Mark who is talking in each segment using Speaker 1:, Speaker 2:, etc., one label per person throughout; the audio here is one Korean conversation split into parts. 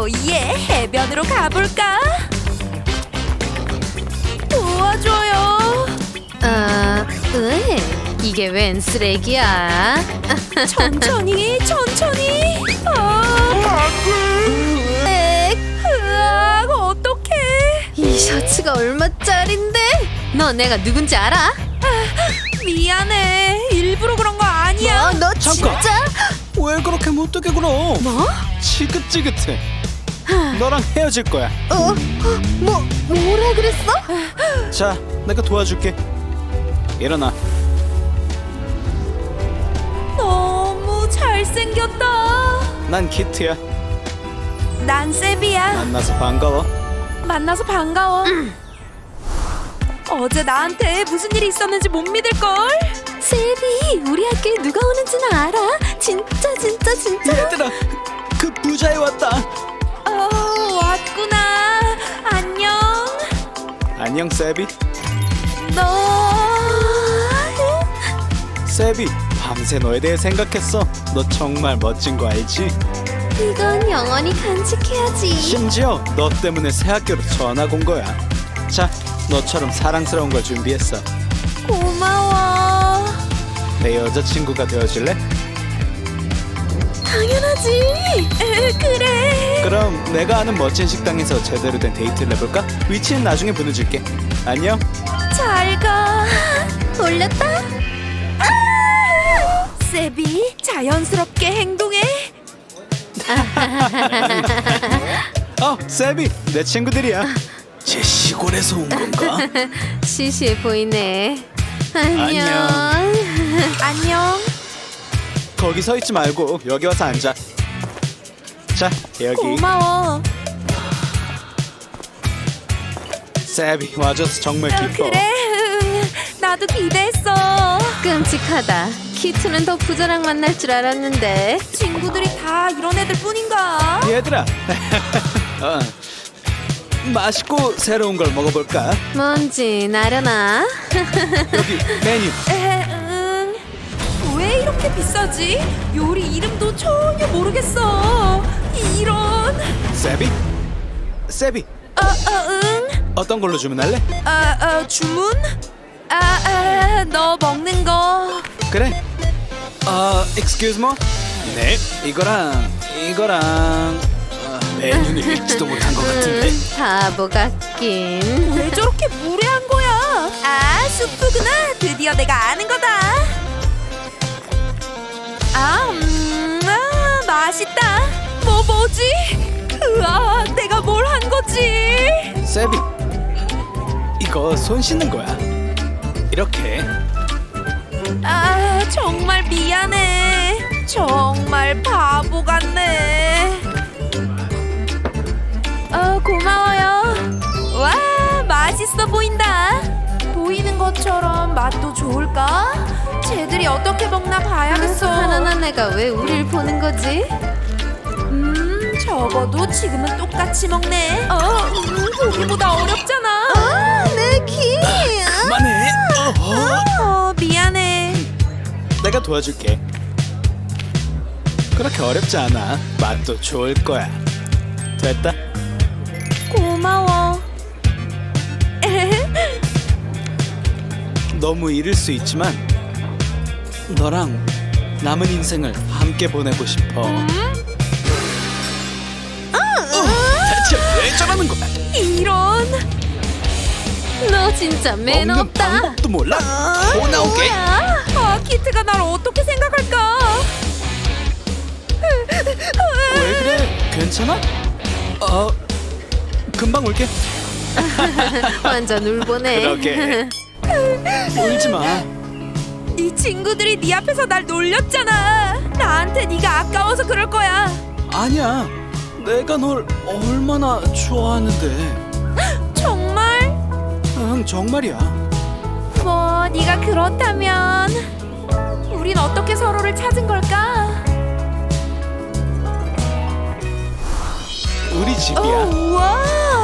Speaker 1: 오예, 해변으로 가볼까? 도와줘요.
Speaker 2: 이게 웬 쓰레기야?
Speaker 1: 천천히. 으악, 어떡해.
Speaker 2: 이 셔츠가 얼마짜린데? 너 내가 누군지 알아?
Speaker 1: 미안해. 일부러 그런 거 아니야.
Speaker 2: 너
Speaker 3: 잠깐.
Speaker 2: 진짜?
Speaker 3: 왜 그렇게 못되게 굴어?
Speaker 2: 뭐?
Speaker 3: 지긋지긋해. 너랑 헤어질 거야.
Speaker 2: 뭐라 그랬어?
Speaker 3: 자, 내가 도와줄게. 일어나.
Speaker 1: 너무 잘생겼다.
Speaker 3: 난 키트야.
Speaker 1: 난 세비야.
Speaker 3: 만나서 반가워.
Speaker 1: 어제 나한테 무슨 일이 있었는지 못 믿을걸?
Speaker 2: 세비, 우리 학교에 누가 오는지는 알아? 진짜.
Speaker 3: 얘들아, 그 부자애 왔다.
Speaker 1: 왔구나. 안녕.
Speaker 3: 안녕, 세비.
Speaker 1: 너
Speaker 3: 세비, 밤새 너에 대해 생각했어. 너 정말 멋진 거 알지?
Speaker 2: 이건 영원히 간직해야지.
Speaker 3: 심지어 너 때문에 새 학교로 전학 온 거야. 자, 너처럼 사랑스러운 걸 준비했어.
Speaker 1: 고마워.
Speaker 3: 내 여자친구가 되어줄래?
Speaker 1: 당연하지. 그래.
Speaker 3: 그럼 내가 아는 멋진 식당에서 제대로 된 데이트를 해볼까? 위치는 나중에 보내줄게. 안녕.
Speaker 1: 잘 가.
Speaker 2: 올렸다?
Speaker 1: 세비, 자연스럽게 행동해.
Speaker 3: 세비, 내 친구들이야. 제 시골에서 온 건가?
Speaker 2: 시시해 보이네.
Speaker 3: 안녕.
Speaker 1: 안녕.
Speaker 3: 거기 서 있지 말고 여기 와서 앉아. 자, 여기.
Speaker 1: 고마워.
Speaker 3: 세비, 와줘서 정말 기뻐.
Speaker 1: 그래. 나도 기대했어.
Speaker 2: 끔찍하다. 키트는 더 부자랑 만날 줄 알았는데.
Speaker 1: 친구들이 다 이런 애들 뿐인가?
Speaker 3: 얘들아. 맛있고 새로운 걸 먹어볼까?
Speaker 2: 뭔지 나려나?
Speaker 3: 여기 메뉴.
Speaker 1: 왜 이렇게 비싸지? 요리 이름도 전혀 모르겠어. 이런.
Speaker 3: 세비,
Speaker 1: 응.
Speaker 3: 어떤 걸로 주문할래?
Speaker 1: 주문? 너 먹는 거.
Speaker 3: 그래. excuse me? 네. 이거랑 메뉴는 읽지도 못한 것 같은데.
Speaker 2: 바보 같긴.
Speaker 1: 왜 저렇게 무례한 거야? 수프구나. 드디어 내가 아는 거다. 맛있다. 뭐지? 내가 뭘 한 거지?
Speaker 3: 세비, 이거 손 씻는 거야. 이렇게.
Speaker 1: 정말 미안해. 정말 바보 같네. 고마워요. 와, 맛있어 보인다. 보이는 것처럼 맛도 좋을까? 쟤들이 어떻게 먹나 봐야겠어.
Speaker 2: 가난한 애가 왜 우릴 보는 거지?
Speaker 1: 적어도 지금은 똑같이 먹네. 보기보다 어렵잖아.
Speaker 2: 내 키.
Speaker 3: 그만해.
Speaker 1: 미안해.
Speaker 3: 내가 도와줄게. 그렇게 어렵지 않아. 맛도 좋을 거야. 됐다.
Speaker 1: 고마워.
Speaker 3: 너무 이를 수 있지만 너랑 남은 인생을 함께 보내고 싶어. 대체 왜 저러는 거야?
Speaker 1: 이런.
Speaker 2: 너 진짜 매너
Speaker 3: 먹는
Speaker 2: 없다.
Speaker 3: 방법도 몰라? 더 나오게.
Speaker 1: 키트가 날 어떻게 생각할까?
Speaker 3: 왜 그래? 괜찮아? 금방 올게.
Speaker 2: 완전 울보네.
Speaker 3: 그러게. 울지 마.
Speaker 1: 네 친구들이 네 앞에서 날 놀렸잖아. 나한테 네가 아까워서 그럴 거야.
Speaker 3: 아니야. 내가 널 얼마나 좋아하는데.
Speaker 1: 정말?
Speaker 3: 응, 정말이야.
Speaker 1: 뭐 네가 그렇다면 우린 어떻게 서로를 찾은 걸까?
Speaker 3: 우리 집이야.
Speaker 1: 우와,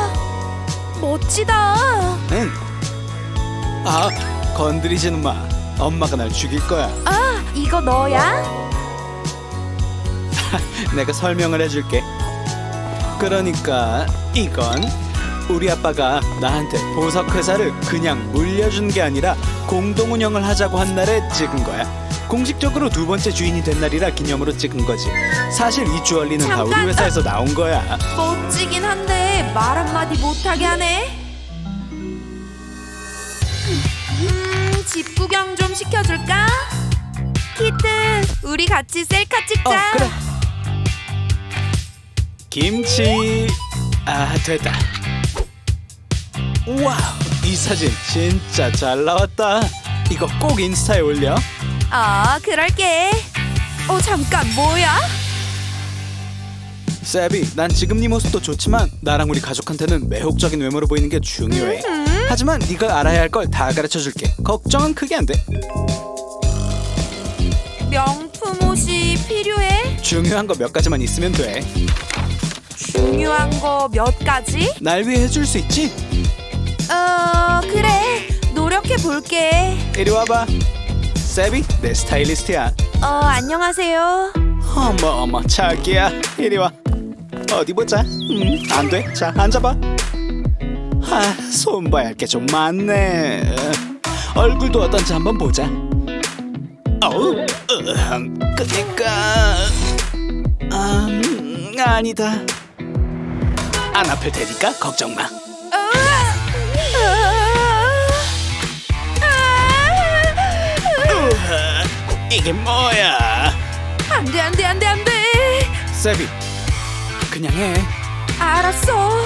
Speaker 1: 멋지다.
Speaker 3: 응. 건드리지는 마. 엄마가 날 죽일 거야.
Speaker 1: 이거 너야?
Speaker 3: 내가 설명을 해줄게. 그러니까 이건 우리 아빠가 나한테 보석 회사를 그냥 물려준 게 아니라 공동 운영을 하자고 한 날에 찍은 거야. 공식적으로 두 번째 주인이 된 날이라 기념으로 찍은 거지. 사실 이 주얼리는 다 우리
Speaker 1: 잠깐!
Speaker 3: 회사에서 나온 거야.
Speaker 1: 멋지긴 한데 말 한마디 못하게 하네. 집 구경 좀 시켜줄까? 키트, 우리 같이 셀카 찍자.
Speaker 3: 그래. 김치. 아, 됐다. 와우, 이 사진 진짜 잘 나왔다. 이거 꼭 인스타에 올려.
Speaker 1: 그럴게. 잠깐, 뭐야?
Speaker 3: 세비, 난 지금 네 모습도 좋지만 나랑 우리 가족한테는 매혹적인 외모로 보이는 게 중요해. 하지만 네가 알아야 할 걸 다 가르쳐줄게. 걱정은 크게 안 돼.
Speaker 1: 명품 옷이 필요해?
Speaker 3: 중요한 거 몇 가지만 있으면 돼.
Speaker 1: 중요한 거 몇 가지?
Speaker 3: 날 위해 해줄 수 있지?
Speaker 1: 그래. 노력해 볼게.
Speaker 3: 이리 와봐. 세비, 내 스타일리스트야.
Speaker 1: 안녕하세요.
Speaker 3: 어머 자기야, 이리 와. 어디 보자. 안 돼. 자, 앉아봐. 손봐야 할 게 좀 많네. 얼굴도 어떤지 한번 보자. 그니까 아니다. 안 아플 테니까 걱정 마. 이게 뭐야?
Speaker 1: 안돼.
Speaker 3: 세비, 그냥 해.
Speaker 1: 알았어.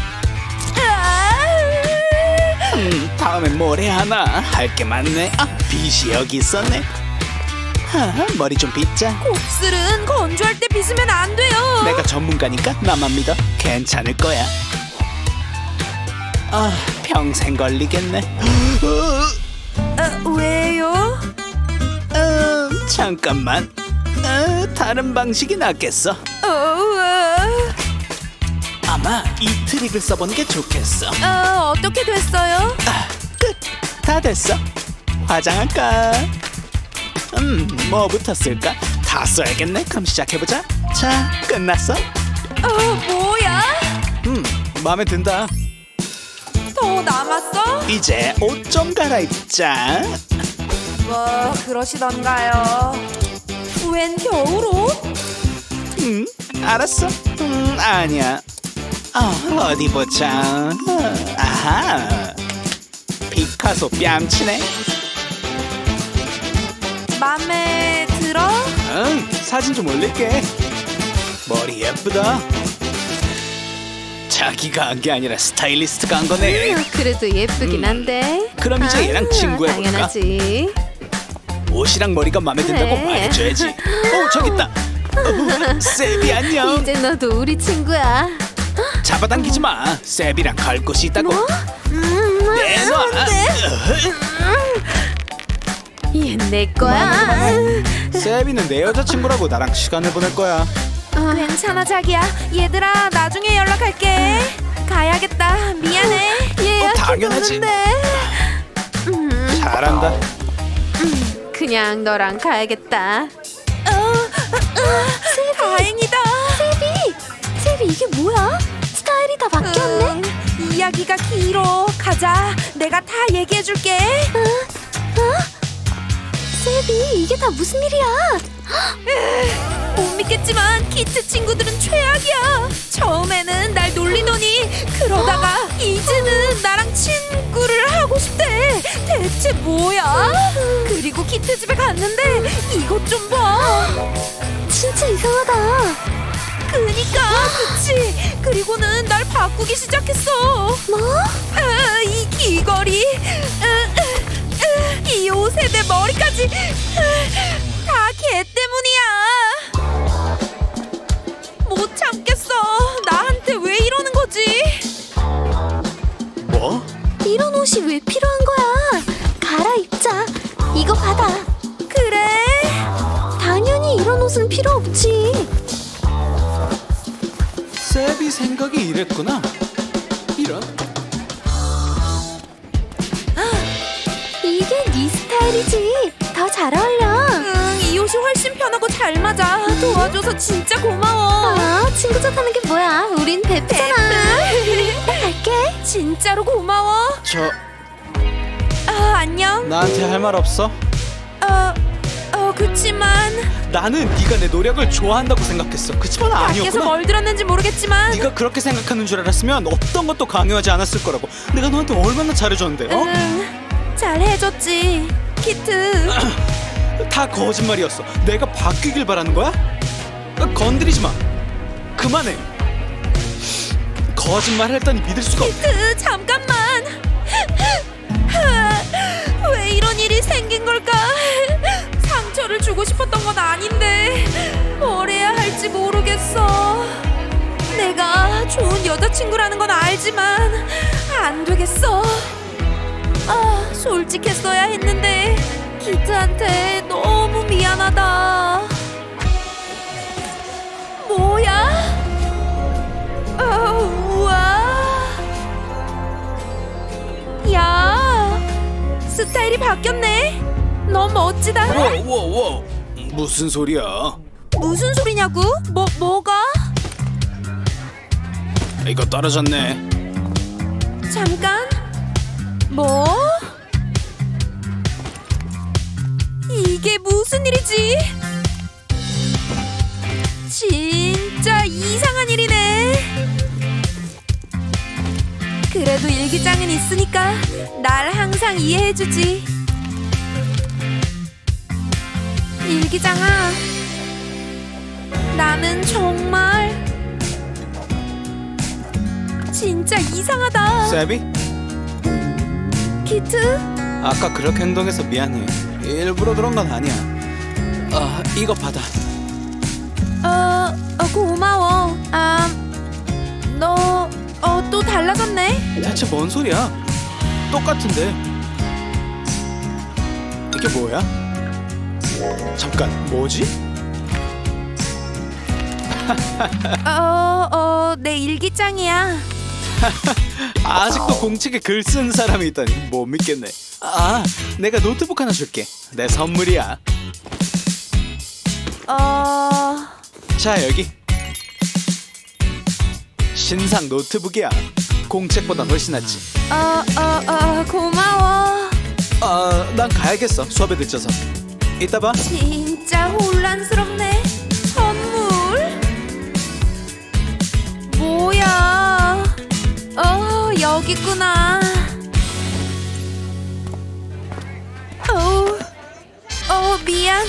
Speaker 3: 다음엔 뭘 해야 하나? 할 게 많네. 빗이 여기 있었네. 머리 좀 빗자.
Speaker 1: 곱슬은 건조할 때 빗으면 안 돼요.
Speaker 3: 내가 전문가니까 나만 믿어. 괜찮을 거야. 평생 걸리겠네.
Speaker 1: 왜요?
Speaker 3: 잠깐만. 다른 방식이 낫겠어. 아마 이 트릭을 써보는 게 좋겠어.
Speaker 1: 어떻게 됐어요?
Speaker 3: 끝. 다 됐어. 화장할까? 뭐부터 쓸까? 다 써야겠네. 그럼 시작해보자. 자, 끝났어.
Speaker 1: 뭐야?
Speaker 3: 마음에 든다.
Speaker 1: 더 남았어?
Speaker 3: 이제 옷 좀 갈아입자.
Speaker 1: 뭐 그러시던가요. 웬 겨울옷?
Speaker 3: 알았어. 아니야. 어디 보자. 아하. 피카소 뺨치네.
Speaker 1: 맘에 들어?
Speaker 3: 사진 좀 올릴게. 머리 예쁘다. 자기가 한 게 아니라 스타일리스트가 한 거네.
Speaker 2: 그래도 예쁘긴 한데.
Speaker 3: 그럼 이제 얘랑 친구 해볼까?
Speaker 2: 당연하지.
Speaker 3: 옷이랑 머리가 마음에 든다고
Speaker 2: 그래.
Speaker 3: 말해줘야지. 저기 있다. 세비 안녕.
Speaker 2: 이제 너도 우리 친구야.
Speaker 3: 잡아당기지 마. 세비랑 갈 곳이 있다고. 내놔.
Speaker 2: 얘 내 거야.
Speaker 3: 세비는 내 여자친구라고 나랑 시간을 보낼 거야.
Speaker 1: 괜찮아 자기야. 얘들아 나중에 연락할게. 가야겠다. 미안해.
Speaker 2: 얘
Speaker 3: 당연하지.
Speaker 2: 음,
Speaker 3: 잘한다.
Speaker 2: 그냥 너랑 가야겠다.
Speaker 1: 다행이다.
Speaker 2: 세비 이게 뭐야? 스타일이 다 바뀌었네.
Speaker 1: 이야기가 길어. 가자. 내가 다 얘기해줄게.
Speaker 2: 세비 이게 다 무슨 일이야?
Speaker 1: 못 믿겠지만 키트 친구들은 최악이야. 처음에는 날 놀리더니 그러다가 이제는 나랑 친구를 하고 싶대. 대체 뭐야? 그리고 키트 집에 갔는데 이것 좀 봐.
Speaker 2: 진짜 이상하다.
Speaker 1: 그니까 그치. 그리고는 날 바꾸기 시작했어.
Speaker 2: 뭐?
Speaker 1: 이 귀걸이, 이 옷에 내 머리까지 다 걔 때문이야. 못 참겠어. 나한테 왜 이러는 거지?
Speaker 3: 뭐?
Speaker 2: 이런 옷이 왜 필요한 거야? 갈아입자. 이거 받아.
Speaker 1: 그래?
Speaker 2: 당연히 이런 옷은 필요 없지.
Speaker 3: 세비 생각이 이랬구나. 이런.
Speaker 2: 이게 네 스타일이지. 더 잘 어울려.
Speaker 1: 이 옷이 훨씬 편하고 잘 맞아. 도와줘서 진짜 고마워.
Speaker 2: 아, 친구 좋다는 게 뭐야? 우린 베프잖아. 나 갈게.
Speaker 1: 진짜로 고마워. 안녕.
Speaker 3: 나한테 할 말 없어?
Speaker 1: 그치만
Speaker 3: 나는 네가 내 노력을 좋아한다고 생각했어. 그치만
Speaker 1: 밖에서
Speaker 3: 아니었구나.
Speaker 1: 뭘 들었는지 모르겠지만
Speaker 3: 네가 그렇게 생각하는 줄 알았으면 어떤 것도 강요하지 않았을 거라고. 내가 너한테 얼마나 잘해줬는데. 어?
Speaker 1: 잘 해줬지. 키트.
Speaker 3: 다 거짓말이었어. 내가 바뀌길 바라는 거야? 건드리지 마. 그만해. 거짓말 했더니 믿을 수가 없어.
Speaker 1: 키트 잠깐만. 왜 이런 일이 생긴 걸까? 상처를 주고 싶었던 건 아닌데 뭘 해야 할지 모르겠어. 내가 좋은 여자친구라는 건 알지만 안 되겠어. 솔직했어야 했는데 키트한테 너무 미안하다. 뭐야? 우와. 야, 스타일이 바뀌었네. 너무 멋지다.
Speaker 3: 워워워. 무슨 소리야?
Speaker 1: 무슨 소리냐고? 뭐가?
Speaker 3: 이거 떨어졌네.
Speaker 1: 잠깐. 뭐? 이게 무슨 일이지? 진짜 이상한 일이네. 그래도 일기장은 있으니까 날 항상 이해해주지. 일기장아, 나는 정말 진짜 이상하다.
Speaker 3: 세비?
Speaker 1: 키트?
Speaker 3: 아까 그렇게 행동해서 미안해. 일부러 그런 건 아니야. 이거 받아.
Speaker 1: 고마워. 너 또 달라졌네.
Speaker 3: 대체 뭔 소리야? 똑같은데. 이게 뭐야? 잠깐, 뭐지?
Speaker 1: 내 일기장이야.
Speaker 3: 아직도 공책에 글 쓴 사람이 있다니 못 믿겠네. 내가 노트북 하나 줄게. 내 선물이야. 자, 여기. 신상 노트북이야. 공책보다 훨씬 낫지.
Speaker 1: 고마워.
Speaker 3: 난 가야겠어. 수업에 늦어서. 이따 봐.
Speaker 1: 진짜 혼란스럽네. 선물? 뭐야? 여기 있구나. 미안.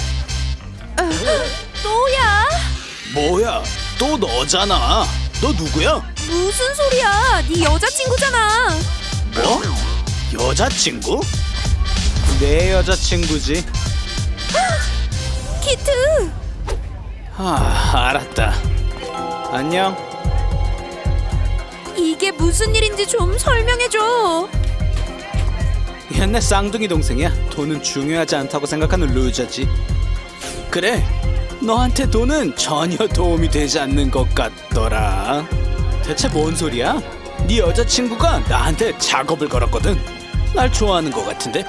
Speaker 1: 또야?
Speaker 3: 뭐야? 또 너잖아. 너 누구야?
Speaker 1: 무슨 소리야? 네 여자친구잖아.
Speaker 3: 뭐? 여자친구? 내 여자친구지.
Speaker 1: 키트.
Speaker 3: 알았다. 안녕.
Speaker 1: 이게 무슨 일인지 좀 설명해줘.
Speaker 3: 옛날 쌍둥이 동생이야. 돈은 중요하지 않다고 생각하는 루저지. 그래, 너한테 돈은 전혀 도움이 되지 않는 것 같더라. 대체 뭔 소리야? 네 여자친구가 나한테 작업을 걸었거든. 날 좋아하는 것 같은데.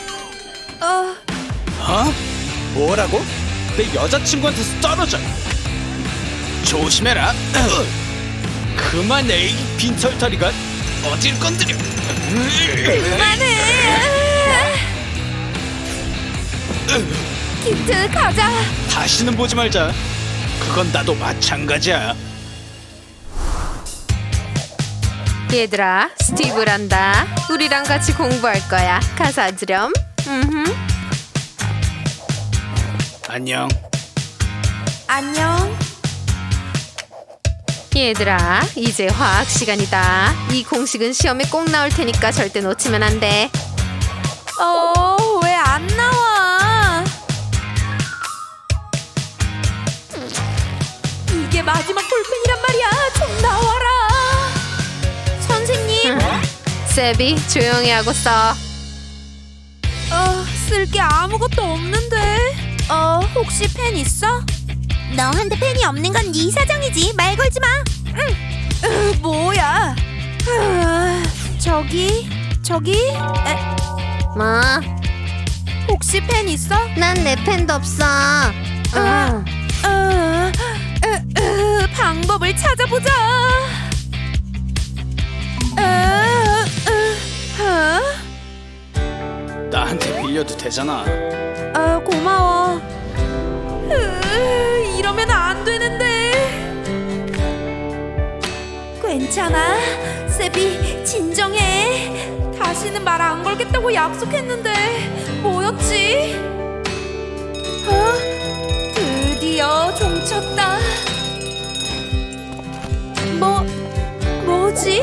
Speaker 3: 뭐라고? 내 여자친구한테서 떨어져. 조심해라. 그만해, 이 빈털터리가. 어딜 건드려.
Speaker 1: 그만해. 키트 가자.
Speaker 3: 다시는 보지 말자. 그건 나도 마찬가지야.
Speaker 2: 얘들아, 스티브란다. 우리랑 같이 공부할 거야. 가사 주렴.
Speaker 3: 안녕.
Speaker 1: 안녕.
Speaker 2: 얘들아, 이제 화학 시간이다. 이 공식은 시험에 꼭 나올 테니까 절대 놓치면 안 돼.
Speaker 1: 왜 안 나와? 이게 마지막 볼펜이란 말이야. 좀 나와라. 선생님.
Speaker 2: 세비, 조용히 하고 써.
Speaker 1: 쓸 게 아무것도 없는데. 혹시 펜 있어? 너한테 펜이 없는 건 네 사정이지. 말 걸지 마. 뭐야? 저기.
Speaker 2: 뭐?
Speaker 1: 혹시 펜 있어?
Speaker 2: 난 내 펜도 없어.
Speaker 1: 방법을 찾아보자.
Speaker 3: 나한테 빌려도 되잖아.
Speaker 1: 고마워. 이러면 안 되는데. 괜찮아, 세비, 진정해. 다시는 말 안 걸겠다고 약속했는데 뭐였지? 드디어 종쳤다. 뭐지?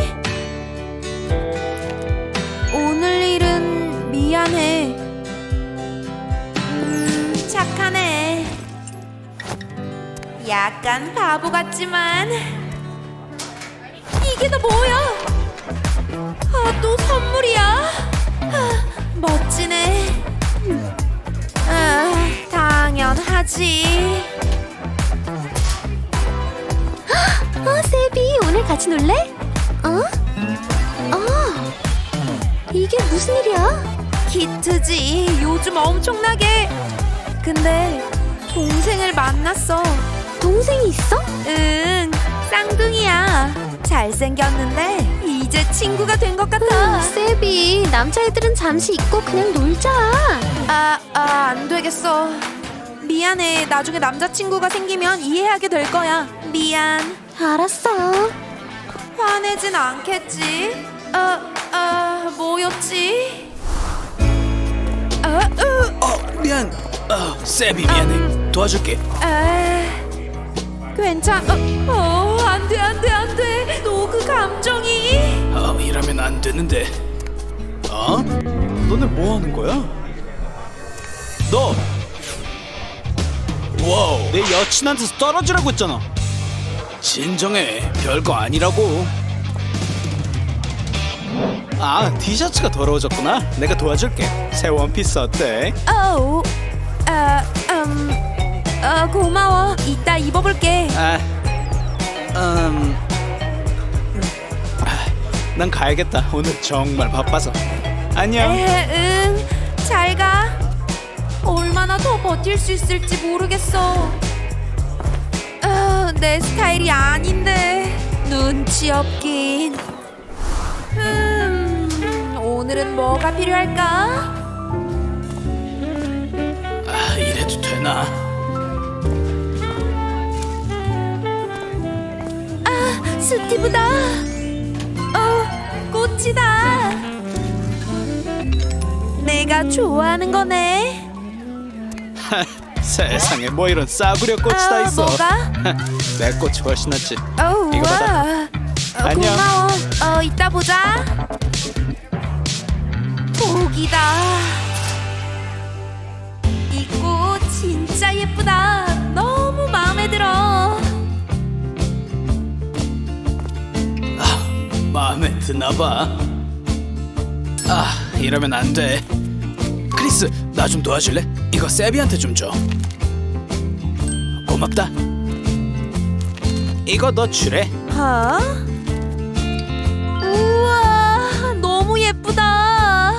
Speaker 1: 오늘 일은 미안해. 착하네. 약간 바보 같지만. 이게 다 뭐야? 또 선물이야? 멋지네. 당연하지.
Speaker 2: 세비, 오늘 같이 놀래? 이게 무슨 일이야?
Speaker 1: 키트지. 요즘 엄청나게. 근데 동생을 만났어.
Speaker 2: 동생이 있어?
Speaker 1: 응, 쌍둥이야. 잘생겼는데 이제 친구가 된 것 같아.
Speaker 2: 세비, 남자애들은 잠시 잊고 그냥 놀자.
Speaker 1: 안 되겠어. 미안해. 나중에 남자친구가 생기면 이해하게 될 거야. 미안.
Speaker 2: 알았어.
Speaker 1: 화내진 않겠지? 뭐였지?
Speaker 3: 미안. 세비 미안해. 도와줄게.
Speaker 1: 안 돼. 너 그 감정이.
Speaker 3: 이러면 안 되는데. 너네 뭐 하는 거야? 너. 와우. 내 여친한테서 떨어지라고 했잖아. 진정해. 별거 아니라고. 티셔츠가 더러워졌구나. 내가 도와줄게. 새 원피스 어때?
Speaker 1: 고마워. 이따 입어볼게.
Speaker 3: 난 가야겠다. 오늘 정말 바빠서. 안녕.
Speaker 1: 응. 잘 가. 얼마나 더 버틸 수 있을지 모르겠어. 내 스타일이 아닌데. 눈치 없긴. 오늘은 뭐가 필요할까?
Speaker 3: 이래도 되나?
Speaker 1: 스티브다. 꽃이다. 내가 좋아하는 거네.
Speaker 3: 세상에 뭐 이런 싸구려 꽃이 다 있어.
Speaker 1: 뭐가?
Speaker 3: 내 꽃이 훨씬 낫지. 이거
Speaker 1: 와.
Speaker 3: 받아. 안녕.
Speaker 1: 고마워. 이따 보자. 복이다. 이 꽃 진짜 예쁘다. 너무 마음에 들어.
Speaker 3: 마음에 드나봐. 이러면 안 돼. 크리스, 나 좀 도와줄래? 이거 세비한테 좀 줘. 고맙다. 이거 너 주래.
Speaker 1: 우와, 너무 예쁘다.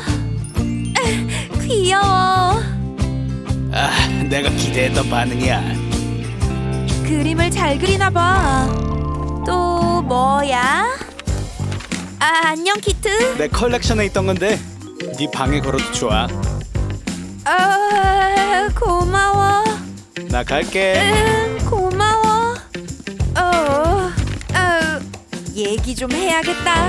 Speaker 1: 귀여워.
Speaker 3: 내가 기대했던 반응이야.
Speaker 1: 그림을 잘 그리나 봐. 또 뭐야? 안녕 키트.
Speaker 3: 내 컬렉션에 있던 건데 네 방에 걸어도 좋아.
Speaker 1: 고마워.
Speaker 3: 나 갈게.
Speaker 1: 고마워. 얘기 좀 해야겠다.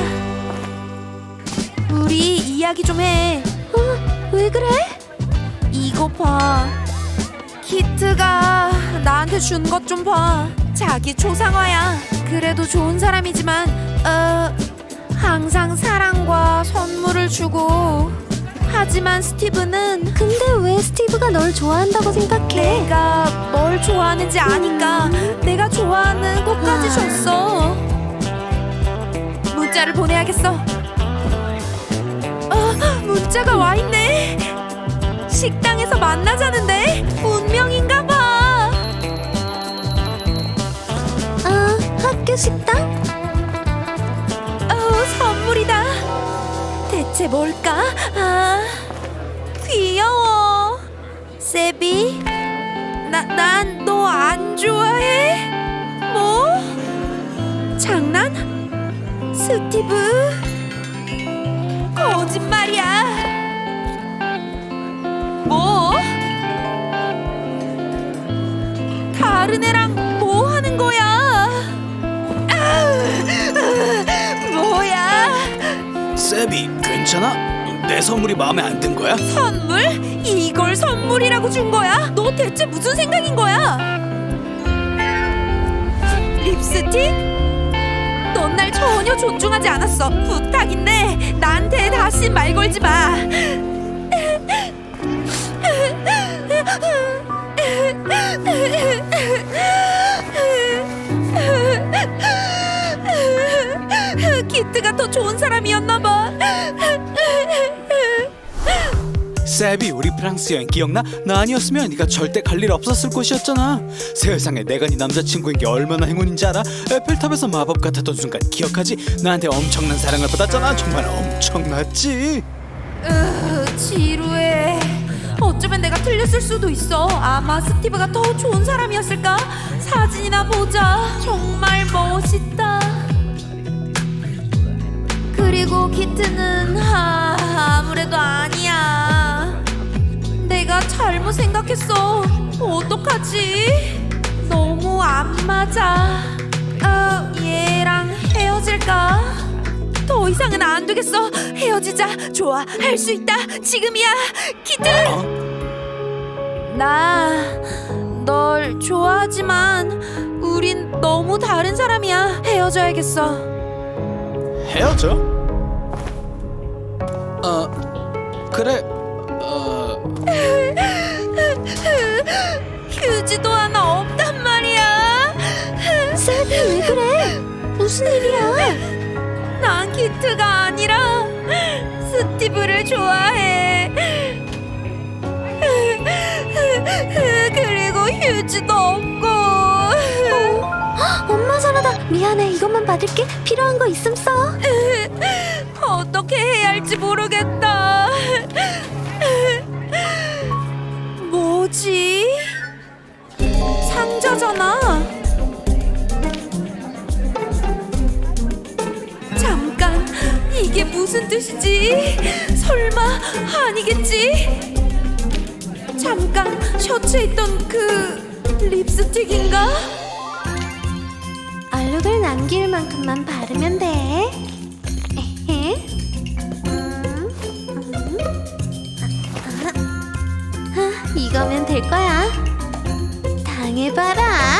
Speaker 1: 우리 이야기 좀 해.
Speaker 2: 왜 그래?
Speaker 1: 이거 봐. 키트가 나한테 준 것 좀 봐. 자기 초상화야. 그래도 좋은 사람이지만 항상 사랑과 선물을 주고. 하지만 스티브는.
Speaker 2: 근데 왜 스티브가 널 좋아한다고 생각해?
Speaker 1: 내가 뭘 좋아하는지 아니까 내가 좋아하는 꽃까지 줬어. 문자를 보내야겠어. 문자가 와 있네. 식당에서 만나자는데 운명인가 봐.
Speaker 2: 학교 식당?
Speaker 1: 선물이다. 대체 뭘까? 귀여워. 세비? 난 너 안 좋아해? 뭐? 장난? 스티브? 거짓말이야. 뭐? 다른 애랑 뭐 하는 거야? 뭐야?
Speaker 3: 세비, 괜찮아? 내 선물이 마음에 안 든 거야?
Speaker 1: 선물? 이걸 선물이라고 준 거야? 너 대체 무슨 생각인 거야? 립스틱? 넌 날 전혀 존중하지 않았어. 부탁인데 나한테 다시 말 걸지 마. 키트가 더 좋은 사람이었나 봐.
Speaker 3: 세비, 우리 프랑스 여행 기억나? 나 아니었으면 네가 절대 갈 일 없었을 곳이었잖아. 세상에 내가 네 남자친구인 게 얼마나 행운인지 알아? 에펠탑에서 마법 같았던 순간 기억하지? 나한테 엄청난 사랑을 받았잖아. 정말 엄청났지?
Speaker 1: 지루해. 어쩌면 내가 틀렸을 수도 있어. 아마 스티브가 더 좋은 사람이었을까? 사진이나 보자. 정말 멋있다. 그리고 키트는 아무래도 아니야. 내가 잘못 생각했어. 어떡하지? 너무 안 맞아. 얘랑 헤어질까? 더 이상은 안 되겠어. 헤어지자. 좋아, 할 수 있다. 지금이야. 키트! 나 널 좋아하지만 우린 너무 다른 사람이야. 헤어져야겠어.
Speaker 3: 헤어져? 그래.
Speaker 1: 휴지도 하나 없단 말이야.
Speaker 2: 세비 왜 그래? 무슨 일이야?
Speaker 1: 난 키트가 아니라 스티브를 좋아해. 그리고 휴지도 없고.
Speaker 2: 엄마 전화다. 미안해. 이것만 받을게. 필요한 거 있음 써.
Speaker 1: 어떻게 해야 할지 모르겠다. 뭐지? 상자잖아. 잠깐, 이게 무슨 뜻이지? 설마 아니겠지? 잠깐, 셔츠에 있던 그 립스틱인가?
Speaker 2: 얼룩을 남길 만큼만 바르면 돼. 에헤. 이거면 될 거야. 당해봐라.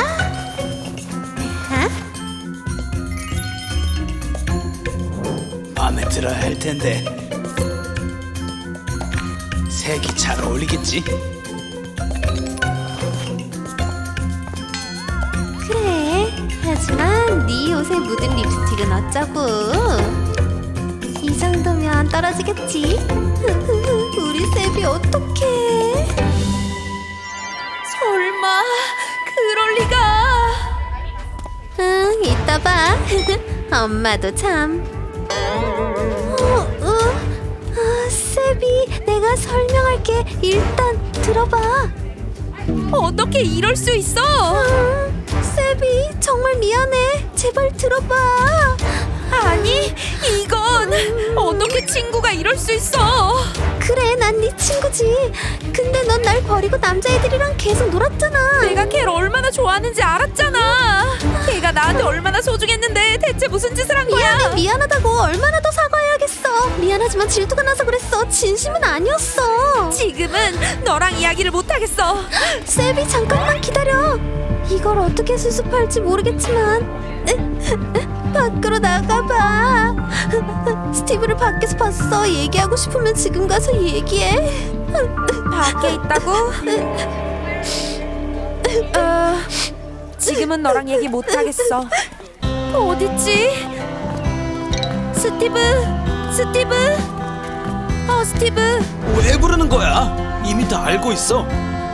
Speaker 3: 마음에 들어야 할 텐데. 색이 잘 어울리겠지?
Speaker 2: 그래. 하지만 네 옷에 묻은 립스틱은 어쩌고. 이 정도면 떨어지겠지. 우리 세비 어떡해.
Speaker 1: 설마 그럴 리가?
Speaker 2: 응, 이따 봐. 엄마도 참. 세비, 내가 설명할게. 일단 들어봐.
Speaker 1: 어떻게 이럴 수 있어?
Speaker 2: 세비, 정말 미안해. 제발 들어봐.
Speaker 1: 아니, 이건 어떻게 친구가 이럴 수 있어?
Speaker 2: 그래, 난 네 친구지. 근데 넌 날 버리고 남자애들이랑 계속 놀았잖아.
Speaker 1: 내가 걔를 얼마나 좋아하는지 알았잖아. 걔가 나한테 얼마나 소중했는데 대체 무슨 짓을 한 거야?
Speaker 2: 미안해, 미안하다고. 얼마나 더 사과해야겠어. 미안하지만 질투가 나서 그랬어. 진심은 아니었어.
Speaker 1: 지금은 너랑 이야기를 못하겠어.
Speaker 2: 세비, 잠깐만 기다려. 이걸 어떻게 수습할지 모르겠지만 밖으로 나가봐. 스티브를 밖에서 봤어. 얘기하고 싶으면 지금 가서 얘기해.
Speaker 1: 밖에 있다고? 지금은 너랑 얘기 못하겠어. 어딨지? 스티브? 스티브?
Speaker 3: 왜 부르는 거야? 이미 다 알고 있어.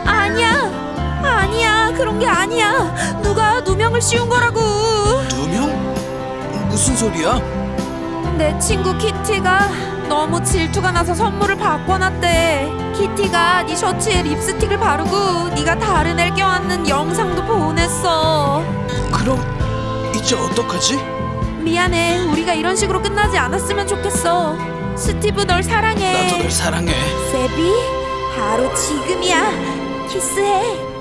Speaker 1: 아니야, 그런 게 아니야. 누가 누명을 씌운 거라고.
Speaker 3: 누명? 무슨 소리야?
Speaker 1: 내 친구 키티가 너무 질투가 나서 선물을 바꿔놨대. 키티가 네 셔츠에 립스틱을 바르고 네가 다른 애를 껴안는 영상도 보냈어.
Speaker 3: 그럼 이제 어떡하지?
Speaker 1: 미안해. 우리가 이런 식으로 끝나지 않았으면 좋겠어. 스티브 널 사랑해.
Speaker 3: 나도 널 사랑해.
Speaker 1: 세비, 바로 지금이야. 키스해.